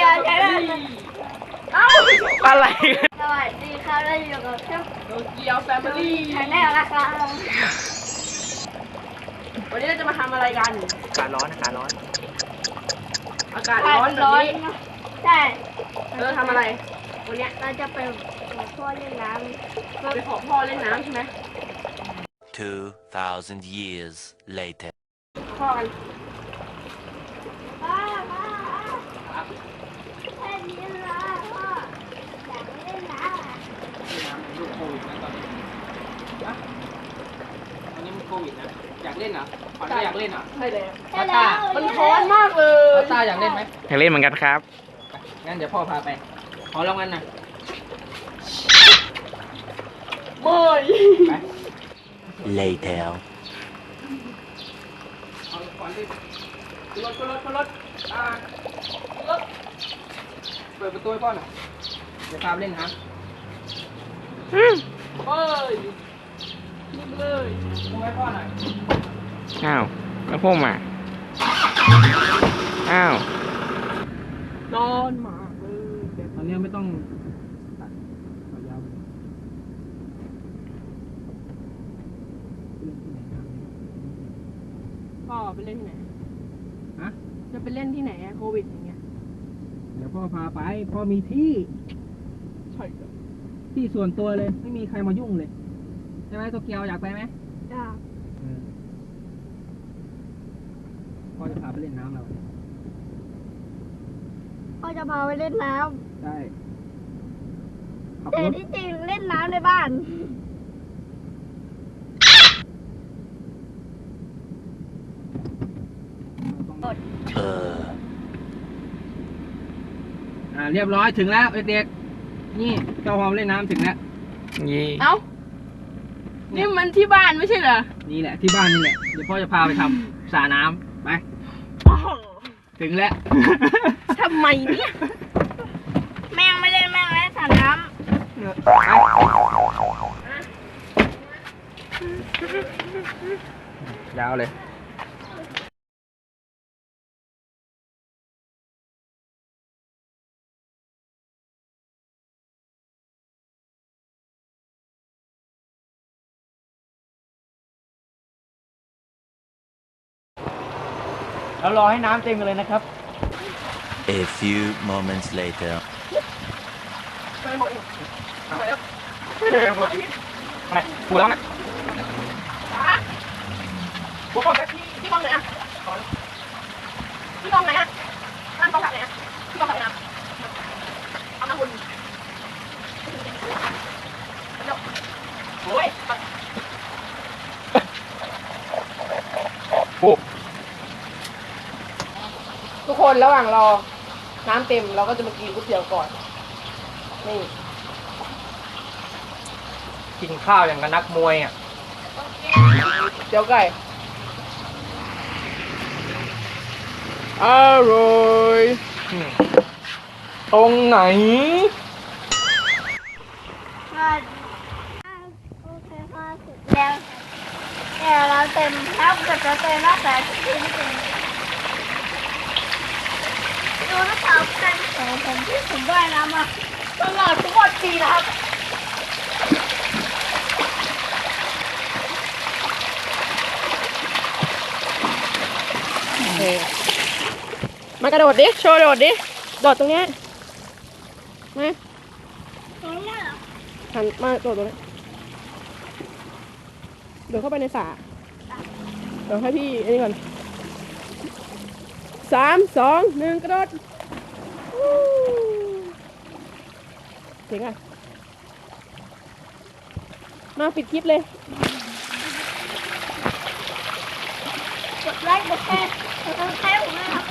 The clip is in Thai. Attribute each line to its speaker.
Speaker 1: ใช่ไหม
Speaker 2: อะไร
Speaker 1: สวัสดีครับเราอยู่กับช่อง
Speaker 3: โตเกียวแฟมิลี่
Speaker 1: ชาแนลนะครับ
Speaker 3: วันนี้เราจะมาทำอะไรกัน
Speaker 2: อากาศร้อนอากาศร้อน
Speaker 3: อากาศร้อนแบบนี้
Speaker 1: ใช่
Speaker 3: เราจะทำอะไร วันเนี้ย
Speaker 1: เราจะไปขอพ่อเล่นน้ำ
Speaker 3: เราไปขอพ่อเล่นน้ำใช่ไหม
Speaker 4: 2,000 years later.
Speaker 3: พ่อกัน
Speaker 1: พ่อแค่นี้ละพ่ออยากเล่นน้ำ
Speaker 5: น้ำมันลูกโควิดนะตอนนี้นะตอนนี้มันโควิดนะ อยากเล่นเหรอขวัญก็อยากเล่นเหรอ
Speaker 3: ใช่เลย
Speaker 1: ใช่แล้ว
Speaker 3: มันร้อนมากเลย
Speaker 5: ตาอยากเล่นไหม
Speaker 2: อยากเล่นเหมือนกันครับ
Speaker 5: งั้นเดี๋ยวพ่อพาไป ขอรางวัลหน่อย
Speaker 3: เมื่อย
Speaker 5: ไป
Speaker 4: Later.
Speaker 5: เอาขวัญดิ
Speaker 3: ขึ้นรถขึ้นรถขึ้นรถอ่าขึ้นรถ
Speaker 5: เปิดประตูให้พ่อหน่อยเดี๋ยวพาไปเล่นน้ำ
Speaker 3: เมื่อยนี่เลย
Speaker 5: พูดให้พ่อหน่อย
Speaker 2: อ้าวแล้วพ่อมาอ้าว
Speaker 3: นอนมากเลย
Speaker 5: ตอนนี้ไม่ต้องตัดขอยาวไปเลย
Speaker 3: พ่อไปเล่นที่ไหน
Speaker 5: ฮะ
Speaker 3: จะไปเล่นที่ไหนอะโควิดอย่างเงี้ย
Speaker 5: เดี๋ยวพ่อพาไป พ่อมีที่
Speaker 3: ใช่ครับ
Speaker 5: ที่ส่วนตัวเลย ไม่มีใครมายุ่งเลย ใช่ไหมโตเกียวอยากไปไหม
Speaker 1: จ้า
Speaker 5: พ่อจะพาไปเล่นน้ำเรา
Speaker 1: พ่อจะพาไปเล่นน้
Speaker 5: ใช่ขับ
Speaker 1: ำแต่
Speaker 5: รถ
Speaker 1: ที่จริงเล่นน้ำในบ้าน
Speaker 5: เรียบร้อยถึงแล้วเด็กๆนี่เจ้าพอมเล่นน้ำถึงแล้ว
Speaker 2: ยี่
Speaker 3: เอ้า นี่มันที่บ้านไม่ใช่เหรอ
Speaker 5: นี่แหละที่บ้านนี่แหละ เดี๋ยวพ่อจะพาไปทำสระน้ำไป ถึงแล้ว
Speaker 3: ทำไมเนี่ย
Speaker 1: แม่งไม่เล่นแม่งเล่นสระน้
Speaker 5: ยาวเลย
Speaker 2: เรารอให้น้ำเต็มกันเลยนะครับ
Speaker 4: A few moments later.
Speaker 2: อะไรกูแล้วนะ
Speaker 3: ผมบอกที่กองไหนอะที่กองไหนอะร้านกองไหนอะที่กองไหนอะเอามาหุ่นโอ้ย
Speaker 2: โอ้
Speaker 3: ทุกคนระหว่างรอน้ำเต็มเราก็จะมากินก๋วยเตี๋ยวก่อน นี่
Speaker 5: กินข้าวอย่างกับนักมวยอ่ะ
Speaker 3: เตี๋ยวไก่อร่อยตรงไหน
Speaker 1: ำก็โอเคพ่อเสร็จแล้วแต่เราเต็มแล้วเกิดจะเต็มแล้วแต่ที่ไม่เต็มดูนะครับการของผมที่ผมว่ายน้ำมาตลอดทุกวันปีนะครับ
Speaker 3: มากระโดดดิ โชว์โดดดิ โดดตรงเนี้ยมา
Speaker 1: ตรงนี้เหรอ
Speaker 3: หันมาโดดตรงนี้โดดเข้าไปในสระเดี๋ยวให้พี่อันนี้ก่อน3 2 1 กระโดดวู้เจ๋งอ่ะ มาปิดคลิปเลย
Speaker 1: กดไลค์กดแชร์กดซับสไครต์ผมด้วยนะครับ